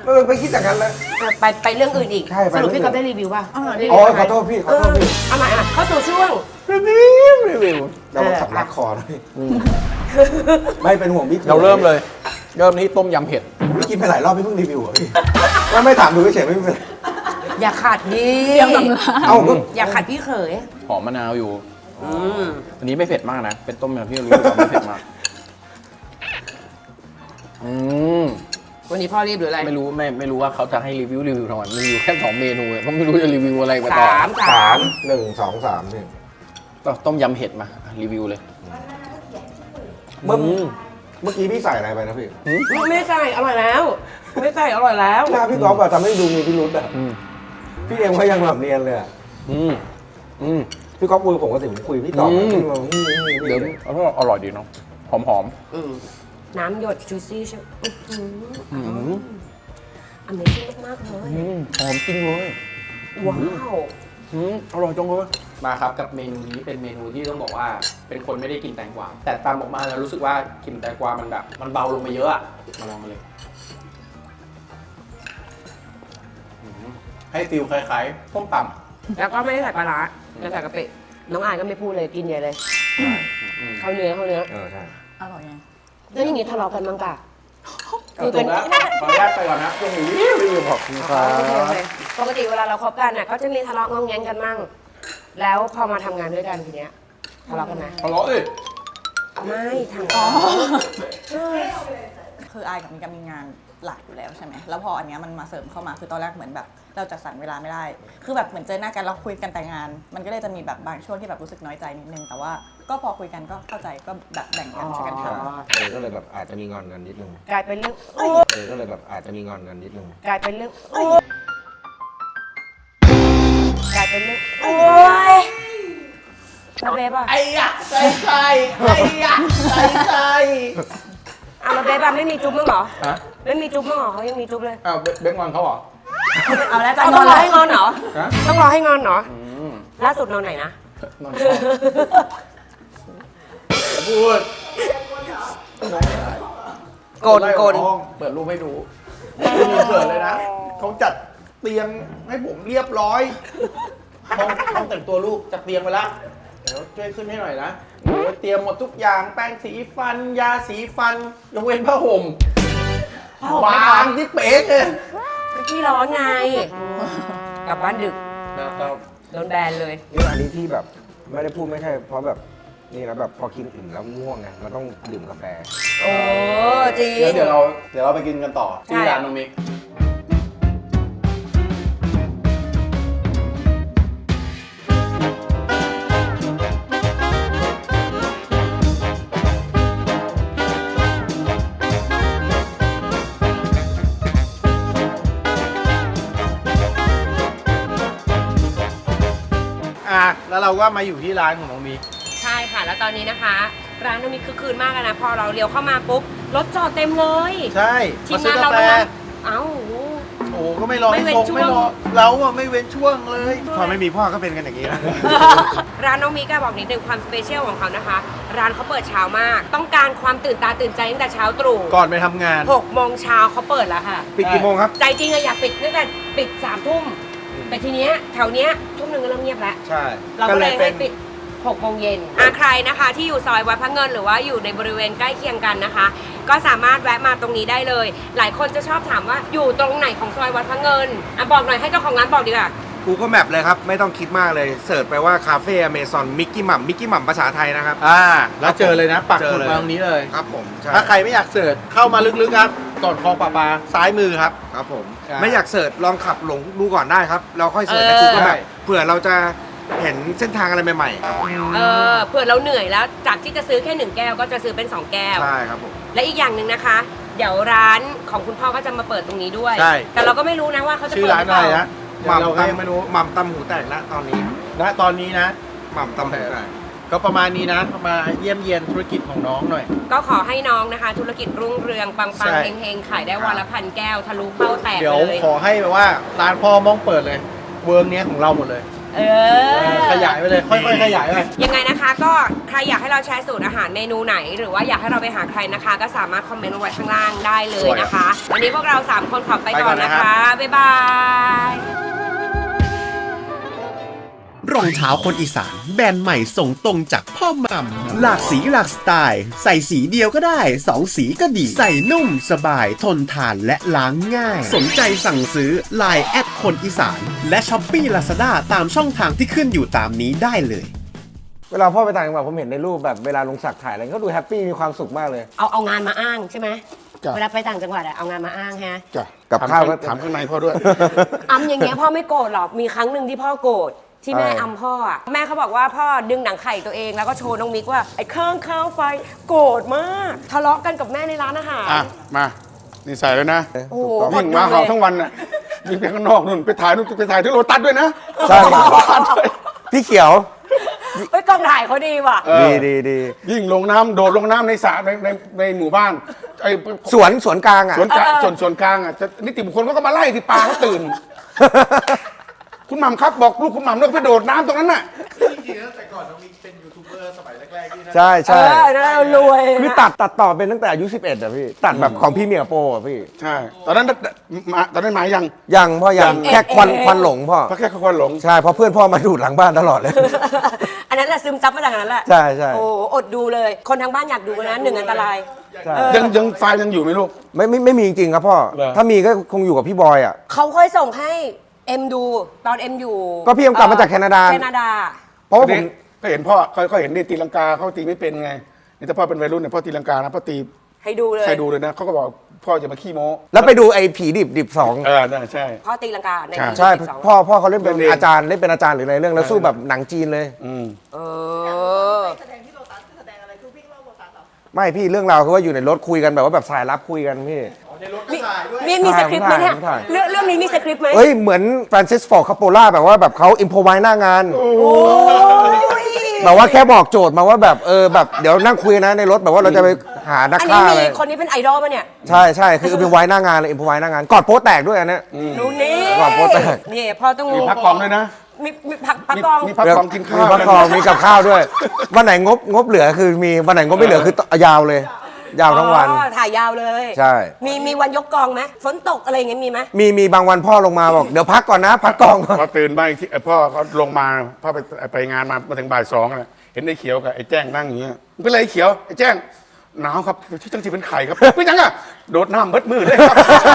Speaker 2: ไปคิดอย่างนั้นแล้ว
Speaker 1: ไปเรื่องอื่นอีก
Speaker 2: ใช่ไป
Speaker 1: สรุป
Speaker 2: เรื่อง
Speaker 1: พี่ก็ได้รีวิวป่ะ
Speaker 2: อ๋อขอโทษพี่ขอโทษพี่
Speaker 1: เอาใหม่อ่ะเข้าสู่ช่วง
Speaker 2: รีวิวเราสำลักคอนะพี่ไม่เป็นห่วงพี่
Speaker 8: เราเริ่มเลย เริ่มที่ต้มยำเผ็ด
Speaker 2: พี่กินไปหลายรอบพี่เพิ่งรีวิวเหรอพี่ไม่ถามดูเฉยๆไม่เป็นไร
Speaker 1: อย่าขัดดิ
Speaker 2: เอ้าก็
Speaker 1: อย่าขัดพี่เขย
Speaker 8: หอมมะนาวอยู่อันนี้ไม่เผ็ดมากนะ เป็นต้มยำที่รู้ว่าไม่เผ็ดมาก
Speaker 1: วันนี้พ่อรีบหรืออะไร
Speaker 8: ไม่รู้ว่าเขาจะให้รีวิวทำไมรีวิวแค่2 เมนูก็ไม่รู้จะรีวิวอะไรไปต่อ
Speaker 1: สาม
Speaker 2: 1 2 3พี่
Speaker 8: ต้มยำเผ็ดมารีวิวเลย
Speaker 2: เมื่อกี้พี่ใส่อะไรไปนะพี่
Speaker 1: ไม่ใส่อร่อยแล้ว ไม่ใส่อร่อยแล้ว
Speaker 2: หน้าพี่ก๊อฟอะทำให้ดูมีพิรุษอะพี่เอ็มเขายังแบบเนียนเลยอะ พี่ก๊อฟคุยกับผมก็ถึงคุยพี่ตอบพี่มา
Speaker 8: เดี๋ยวอร่อยดีเนาะหอม
Speaker 1: น้ำหยดจูซี่ใช่ไหมอันนี้ชิ้นมากๆเลย
Speaker 8: หอมจริงเลย
Speaker 1: ว้าว
Speaker 8: อร่อยจังเลยมาครับกับเมนูนี้เป็นเมนูที่ต้องบอกว่าเป็นคนไม่ได้กินแตงกวาแต่ตามออกมาแล้วรู้สึกว่ากินแตงกวามันแบบมันเบาลงไปเยอะอะมาลองกันเลยให้ฟิลคล้ายๆส้มตำ
Speaker 1: แล้วก็ไม่ได้ใส่ปลาร้าแล้วใส่กะปิน้องอายก็ไม่พูดเลยกินใหญ่เลยเข้าเนื้อ
Speaker 2: ใช่
Speaker 6: อร่อยไง
Speaker 1: แล้วอย่างนี้ทะเลาะกันมั้งกะ
Speaker 8: คือเป็นขออนุญาตไปก่อนนะยังมีรีวิวขอบคุณครั
Speaker 1: โอเคปกติเวลาเราคบกันน่ะก็จะมีทะเลาะงองแงงกันมั่งแล้วพอมาทำงานด้วยกันทีเนี้ยทะเลาะกันไหม
Speaker 8: ทะเลาะดิ
Speaker 1: ไม่ทาง
Speaker 9: คืออายกับมิกมีงานหลักอยู่แล้วใช่ไหมแล้วพออันเนี้ยมันมาเสริมเข้ามาคือตอนแรกเหมือนแบบเราจัดสรรเวลาไม่ได้ คือแบบเหมือนเจอหน้ากันเราคุยกันแต่งาน มันก็เลยจะมีแบบบางช่วงที่แบบรู้สึกน้อยใจนิดนึงแต่ว่าก็พอคุยกันก็เข้าใจก็แบบแบ่งกันช่วยกันทำ
Speaker 2: ก็เลยแบบอาจจะมีงอนกันนิดนึง
Speaker 1: กลายเป็นเรื่อง
Speaker 2: ก็เลยแบบอาจจะมีงอนกันนิดนึง
Speaker 1: กลายเป็นเรื่องกลายเป็นเรื่องโอ้ยแล้วเบฟอ่ะ
Speaker 8: ไอ้ยะใส่ไอ้ยะใส่
Speaker 1: อ่ะแล้วเบฟอ่ะไม่มีจุ๊บมั้งเหรอ
Speaker 8: ฮะ
Speaker 1: ไม่มีจุ๊บมั้งเหรอเขายังมีจุ๊บเลย
Speaker 8: อ้าวเบ้งอนเขาเหรอ
Speaker 1: เอาแล้วต้องรอให้งอนเหรอ
Speaker 8: ฮะ
Speaker 1: ต้องรอให้งอนเหรอล่าสุดนอนไหนนะ
Speaker 8: นอนห้องพูด
Speaker 1: โกน
Speaker 8: เปิดรูปให้ดูไม่มีเปิดเลยนะเขาจัดเตียงให้ผมเรียบร้อยห้องแต่งตัวลูกจัดเตียงไปแล้วเดี๋ยวช่วยขึ้นให้หน่อยนะโอ้ยเตรียมหมดทุกอย่างแป้งสีฟัน ยาสีฟันยกเว้นผ้าห่มวางที่เป๊กเลย
Speaker 1: พี่ร้อนไงกลับบ้านดึก
Speaker 8: นะครับ
Speaker 1: โดนแบนเลย
Speaker 2: นี่อันนี้ที่แบบไม่ได้พูดไม่ใช่เพราะแบบนี่นะแบบพอกินอิ่มแล้วง่วงไงมันต้องดื่มกาแฟ
Speaker 1: โอ้จริง
Speaker 8: เดี๋ยวเราไปกินกันต่อที่ร้านน้องมิก
Speaker 3: แล้วเราก็มาอยู่ที่ร้านของน้องมี
Speaker 1: ใช่ค่ะ แล้วตอนนี้นะคะ ร้านน้องมีคึกคืนมากเลยนะ พอเราเลี้ยวเข้ามาปุ๊บรถจอดเต็มเลย
Speaker 3: ใช่
Speaker 1: ทีมงานเรากำลังเอ้า
Speaker 3: โอ้ก็ไม่รอ
Speaker 1: ไม่
Speaker 3: ให้
Speaker 1: เว้น
Speaker 3: ส่ง
Speaker 1: ช่วง
Speaker 3: ไม่รอเราอะไม่เว้นช่วงเลยพอไม่มีพ่อก็เป็นกันอย่างนี้นะ
Speaker 1: ร้านน้องมีก็บอกนิดนึงความสเปเชียลของเขานะคะ ร้านเขาเปิดเช้ามาก ต้องการความตื่นตาตื่นใจตั้งแต่เช้าตรู่
Speaker 3: ก่อนไปทำงาน
Speaker 1: 6 โมงเช้าเขาเปิดแล้วค่ะ
Speaker 2: ปิดกี่โมงครับ
Speaker 1: ใจจริงอะอยากปิดตั้งแต่ปิด3 ทุ่ม แต่ทีเนี้ยแถวเนี้ยทุ่มหนึ่งก็เริ่มเงียบแล้ว
Speaker 3: ใช่
Speaker 1: เราก็เลยให้ปิด 6 โมงเย็นใครนะคะที่อยู่ซอยวัดพระเงินหรือว่าอยู่ในบริเวณใกล้เคียงกันนะคะ ก็สามารถแวะมาตรงนี้ได้เลย หลายคนจะชอบถามว่าอยู่ตรงไหนของซอยวัดพระเงินบอกหน่อยให้เจ้าของร้านบอกดีกว่า
Speaker 2: Google Map เลยครับ ไม่ต้องคิดมากเลยเสิร์ชไปว่าคาเฟ่อเมซอนมิกกี้หม่ำภาษาไทยนะครับ
Speaker 3: แล้วเจอเลยนะปักหมุด
Speaker 2: เจอเลย
Speaker 3: มาตรงนี้เลย
Speaker 2: ครับผมใช่
Speaker 3: ถ้าใครไม่อยากเสิร์ชเข้ามาลึกๆครับก่อนคลองปลาปลาซ้ายมือครับ
Speaker 2: ครับผม
Speaker 3: ใช่
Speaker 2: ไม่อยากเสิร์ชลองขับหลงดูก่อนได้ครับ เราค่อยเสิร์ชใน
Speaker 1: เออ
Speaker 2: Google
Speaker 3: ใช่
Speaker 2: Map เผื่อเราจะเห็นเส้นทางอะไรใหม่ๆครับ
Speaker 1: เผื่อเราเหนื่อยแล้วจากที่จะซื้อแค่1 แก้วก็จะซื้อเป็น 2 แก้ว
Speaker 2: ใช่ครับผม
Speaker 1: และอีกอย่างหนึ่งนะคะ เดี๋ยวร้านของคุณพ่อก็จะมาเปิดตรงนี้ด้วย
Speaker 3: ใช่
Speaker 1: แต่เราก็ไม่รู้นะว่าเขาจะ
Speaker 3: ชื่อ
Speaker 1: เปิด
Speaker 3: ร้าน
Speaker 1: หรือ
Speaker 3: อะ
Speaker 1: เป
Speaker 3: ไร
Speaker 1: ล่า
Speaker 3: นะเราก็ยังไม่รู้
Speaker 2: หม่ำตำหูแตกแล้วตอนนี้
Speaker 3: ณตอนนี้นะ
Speaker 2: หม่ำตำหูแตก
Speaker 3: ก็ประมาณนี้นะมาเยี่ยมเยียนธุรกิจของน้องหน่อย
Speaker 1: ก็ขอให้น้องนะคะ ธุรกิจรุ่งเรืองปัง
Speaker 3: ใช่
Speaker 1: ๆเฮงๆขายได้วันละ1,000 แก้วทะลุเป้าแตก
Speaker 3: เดี๋ยว
Speaker 1: เลย
Speaker 3: ขอให้แบบว่าร้านพ่อมองเปิดเลย เวิร์กเนี้ยของเราหมดเลย
Speaker 8: ขยายไปเลย ค่อยๆขยายไป
Speaker 1: ยังไงนะคะก็ใครอยากให้เราแชร์สูตรอาหารเมนูไหน หรือว่าอยากให้เราไปหาใครนะคะ ก็สามารถคอมเมนต์เอาไว้ข้างล่างได้เลยนะคะ วันนี้พวกเรา 3 คนขอไปก่อนนะคะ บ๊ายบาย
Speaker 10: รองเท้าคนอีสานแบรนด์ใหม่ส่งตรงจากพ่อหม่ำหลากสีหลากสไตล์ ใส่สีเดียวก็ได้2สีก็ดี ใส่นุ่มสบายทนทานและล้างง่าย สนใจสั่งซื้อ Line แอดคนอีสานและ Shopee Lazada ตามช่องทางที่ขึ้นอยู่ตามนี้ได้เลย
Speaker 2: เวลาพ่อไปต่างจังหวัดผมเห็นในรูปแบบเวลาลงสักถ่ายอะไรเขาดูแฮปปี้มีความสุขมากเลย
Speaker 1: เอางานมาอ้างใช่ไหม
Speaker 8: จ้ะ
Speaker 1: เวลาไปต่างจังหวัดอะเอางานมาอ้างฮะ
Speaker 8: จ้ะ
Speaker 2: กับข้าวก็
Speaker 8: ถามข้างในพ่อด้วย
Speaker 1: อำอย่างเงี้ยพ่อไม่โกรธหรอก มีครั้งหนึ่งที่พ่อโกรธที่แม่อำพ่ออะแม่เขาบอกว่าพ่อดึงหนังไข่ตัวเองแล้วก็โชว์น้องมิกว่าไอ้เครื่องข้าวไฟโกรธมาก ทะเลาะกันกับแม่ในร้านอาหาร
Speaker 3: อ่ะ มา นี่ใส่แล้วนะ
Speaker 1: โอ้โห
Speaker 3: วิ่งมาเห่าทั้งวันน่ะวิ่งไปข้างนอกนู่นไปถ่ายนู่นไปถ่ายที่โรตัสด้วยนะ
Speaker 2: ใช่พี่เขียว
Speaker 1: เฮ้ยกองถ่ายเขาดีว่ะ
Speaker 2: ดี
Speaker 3: ยิ่งลงน้ำโดดลงน้ำในสระในหมู่บ้านไอ้
Speaker 2: สวนกลางอ่ะ
Speaker 3: สวนกลางส่วนกลางอ่ะจะนิติบุคคลก็มาไล่ที่ปลาเขาตื่น คุณหม่ำครับบอกลูกคุณหม่ำเลิกไปโดดน้ำตรงนั้นน่ะ
Speaker 2: ใช่ใช่
Speaker 1: เรารวย
Speaker 2: คือตัดต่อเป็นตั้งแต่อายุ11อ่ะพี่ ตัดแบบของพี่เมียโปอ่ะพี่
Speaker 3: ใช่ ตอนนั้นหมายยัง
Speaker 2: ยังพ่อยังแค่ควันหลงพ่อ
Speaker 3: เพราะแค่คนหลง
Speaker 2: ใช่เพราะเพื่อนพ่อมาดูดหลังบ้านตลอดเลย
Speaker 1: อันนั้นแหละซึมซับมาจากนั้นแหละ
Speaker 2: ใช่
Speaker 1: โอ้อดดูเลย คนทางบ้านอยากดูนะหนึ่งอันตราย
Speaker 2: ใช่
Speaker 3: ยังไฟล์ยังอยู่ไหมลูก
Speaker 2: ไม่มีจริงๆครับพ่อ
Speaker 3: เหรอ
Speaker 2: ถ้ามีก็คงอยู่กับพี่บอยอ่ะ
Speaker 1: เขาเคยส่งให้เอ็มดูตอนเอ็มอยู่
Speaker 2: ก็พี่เอ็มกลับมาจากแคนาดา
Speaker 1: แคนาดา
Speaker 2: เพราะว่าผม
Speaker 3: ก็เห็นพ่อเขาเห็นนี่ตีลังกาเขาตีไม่เป็นไงนี่ถ้าพ่อเป็นวัยรุ่นเนี่ยพ่อตีลังกานะพ่อตี
Speaker 1: ให้ดูเลย
Speaker 3: ใครดูเลยนะเขาก็บอกพ่อจะมาขี้โม้
Speaker 2: แล้วไปดูไอ้ผีดิบสอง
Speaker 3: น่าใช่
Speaker 1: พ่อตีลังกาใน
Speaker 3: ใช่
Speaker 2: ใช่
Speaker 1: ปี12
Speaker 2: พ่อเขาเล่นเป็น
Speaker 3: เล่นเอง
Speaker 2: อาจารย์เล่นเป็นอาจารย์หรืออะไรเรื่องแล้วสู้แบบหนังจีนเลย
Speaker 1: เออ
Speaker 2: ไม่พี่เรื่องราวคือว่าอยู่ในรถคุยกันแบบว่าแบบสายลับคุยกันพี่
Speaker 1: มีสคริปต์ไหมเนี่ย
Speaker 2: ถ่าย
Speaker 1: เรื่องนี้มีสคริปต์ไหม
Speaker 2: เอ้ยเหมือนฟรานซิสฟอร์ดคาโปล่าแบบว่าแบบเขาอิมโพไว้หน้างานแบบว่าแค่บอกโจทย์มาว่าแบบแบบเดี๋ยวนั่งคุยนะในรถแบบว่าเราจะไปหานัก
Speaker 1: อันนี้
Speaker 2: ฆ่า
Speaker 1: มี
Speaker 2: เลย
Speaker 1: คนนี้เป็นไอดอลป่ะเนี่ย
Speaker 2: ใช่คืออิมโพไว้หน้างานเลยอิมโพไว้หน้างานกอดโป๊แตกด้วยอันเนี้ย
Speaker 1: ดูนี่
Speaker 2: ก่อนโป๊แตก
Speaker 1: นี่พ่อต้อง
Speaker 3: มีพักกองด้วยนะ
Speaker 1: มีพักกอง
Speaker 3: มีพักกองกินข้าว
Speaker 2: มีพักกองมีกับข้าวด้วยวันไหนงบเหลือคือมีวันไหนงบไม่เหลือคือยาวเลย ยาวทั้งวัน
Speaker 1: อ๋อถ่ายยาวเลย
Speaker 2: ใช่
Speaker 1: มีวันยกกองไหมฝนตกอะไรอย่างเงี้ยมีไหม
Speaker 2: มีบางวันพ่อลงมาบอกเดี๋ยวพักก่อนนะพักกองก่อน
Speaker 3: พอตื่นมาอีกทีพ่อเขาลงมาพ่อไปงานมาถึงบ่าย2อ่ะเห็นไอ้เขียวกับไอ้แจ้งนั่งอย่างเงี้ยมันเป็นไรไอ้เขียวไอ้แจ้งหนาวครับที่จังสีเป็นไข่ครับไม่ยังอ่ะโดดน้ำเบิดมือเลยครับ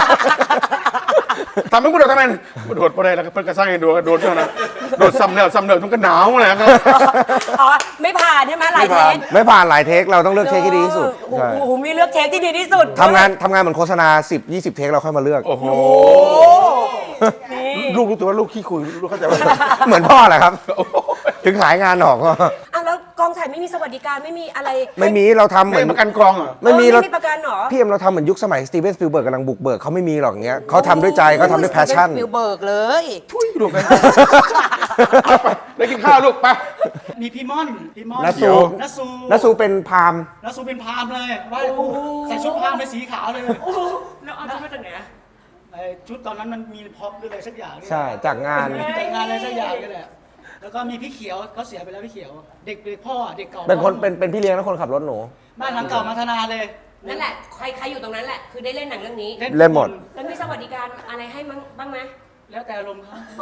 Speaker 3: ทำให้กูโดดทำไมโดดไปได้แล้วก็เพิ่นกระซ่างให้โดดด้วยนะโดดซ้ำแล้วมันก็หนาวเลยครับ
Speaker 1: อ๋อไม่ผ่านใช่ไหมหลายเทค
Speaker 2: ไม่ผ่านหลายเทคเราต้องเลือกเทคที่ดีที่สุด
Speaker 1: โอ้
Speaker 2: ใช่
Speaker 1: โหมีเลือกเทคที่ดีที่สุด
Speaker 2: ทำงานเหมือนโฆษณา 10-20 เทคเราค่อยมาเลือก
Speaker 3: โอ้โห
Speaker 1: โอ้นี่
Speaker 3: ลูกรู้ตัวว่าลูกขี้คุยลูกเข้าใจว่า
Speaker 2: เหมือนพ่อแหละครับ ถึงขายงานออกก็
Speaker 1: อ่ะแล้วกองถ่ายไม่มีสวัสดิการไม่มีอะไร
Speaker 2: ไม่มีเราทำเห
Speaker 3: ไม่
Speaker 2: มือน
Speaker 3: ประกันกองเหรอ
Speaker 2: ไม่มี
Speaker 1: เรา
Speaker 2: เรา
Speaker 1: ไม่ประกันเหรอ
Speaker 2: พี่เอ็มเราทำเหมือนยุคสมัยสตีเวนสปิลเบิร์กกำลังบุกเบิกเขาไม่มีหรอกเงี้ยเขาทำด้วยใจเขาทำด้วยแพชชั่น
Speaker 1: ฟิลเบิร์กเลย
Speaker 3: ทุยลูกไปไปได้กินข้าวลูกไป
Speaker 5: มีพี่ม่อน
Speaker 2: นัสซู
Speaker 5: นัสซู
Speaker 2: นัสซูเป็นพราหมณ์
Speaker 5: นัสซูเป็นพราหมณ์เลยไหว้ครูใส่ชุดพราหมณ์เป็นสีขาวเลย
Speaker 1: แล้วเอาชุดมาจากไหน
Speaker 5: ไอ้ชุดตอนนั้นมันมีพ็อปหรืออะไรสักอย่างเนี่ย
Speaker 2: ใช่จากงาน
Speaker 5: แต่งงานอะไรสักอย่างนี่แหละแล้วก็มีพี่เขียวเขาเสียไปแล้วพี่เขียว เด็กพ่อเด็กเก่า
Speaker 2: เป็นคนเป็นพี่เลี้ยงและคนขับรถหนู
Speaker 5: บ้านหลังเก่ามาธนาเลย
Speaker 1: นั่นแหละใครอยู่ตรงนั้นแหละคือได้เล่นหนังเรื่องนี้
Speaker 2: เล่นหมด
Speaker 1: แล้วมีสวัสดิการอะไรให้บ้างไหม
Speaker 5: แล้วแต่อารมณ์เขา
Speaker 1: โอ้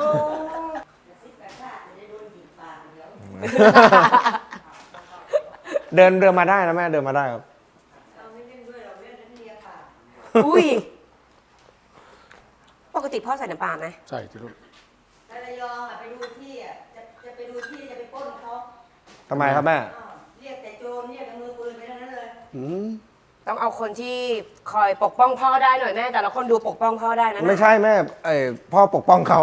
Speaker 2: เดินมาได้นะแม่เดินมาได้ครับ
Speaker 1: อุ้ยปกติพ่อใส่น้ำปลาไหม
Speaker 3: ใช่ที่ลูก
Speaker 6: ไประยองไปดูที่จะไปดูที่จะไปปล้นเขา
Speaker 2: ทำไมครับแม่
Speaker 6: เรียกแต่โจรเรียกแต่มือปืนไปทั้งนั้นเลย
Speaker 1: ต้องเอาคนที่คอยปกป้องพ่อได้หน่อยแม่แต่ละคนดูปกป้องพ่อได้นะ
Speaker 2: ไม่ใช่แม่พ่อปกป้องเขา